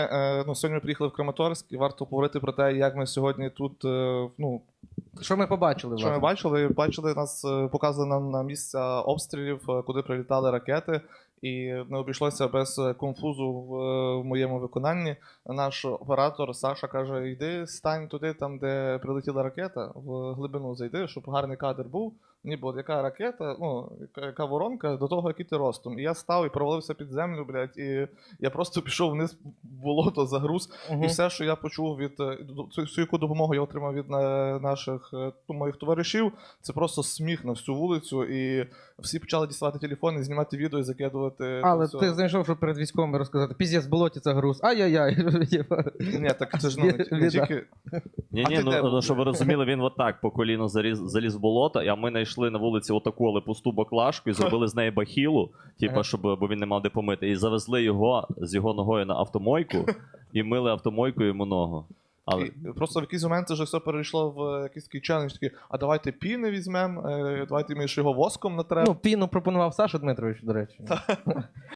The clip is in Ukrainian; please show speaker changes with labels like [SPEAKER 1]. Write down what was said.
[SPEAKER 1] Сьогодні ми приїхали в Краматорськ і варто поговорити про те, як ми сьогодні тут,
[SPEAKER 2] Що ми побачили,
[SPEAKER 1] що ми
[SPEAKER 2] власне?
[SPEAKER 1] бачили нас, показали нам на місця обстрілів, куди прилітали ракети, і не обійшлося без конфузу в моєму виконанні. Наш оператор Саша каже: йди, стань туди, там, де прилетіла ракета, в глибину зайди, щоб гарний кадр був. Ніби от яка ракета, яка воронка до того, який ти ростом. І я став і провалився під землю, блядь, і я просто пішов вниз в болото, загруз. І все, що я почув всю яку допомогу я отримав від наших моїх товаришів, це просто сміх на всю вулицю, і всі почали діставати телефони, знімати відео і закидувати.
[SPEAKER 2] Але ти знайшов, щоб перед військовими розказати: піздець, в болоті це груз, ай-яй-яй.
[SPEAKER 1] Ні, так це ж не тільки...
[SPEAKER 3] Щоб ви розуміли, він отак по коліно заліз в болото, а ми знайшли на вулиці отаку, але пусту баклажку і зробили з неї бахілу, бо він не мав де помити. І завезли його з його ногою на автомойку і мили автомойкою йому ногу.
[SPEAKER 1] Просто в якийсь момент це вже все перейшло в якийсь такий челендж, такий: а давайте піни візьмемо, давайте ми ще його воском натремо.
[SPEAKER 2] Піну пропонував Саша Дмитрович, до речі.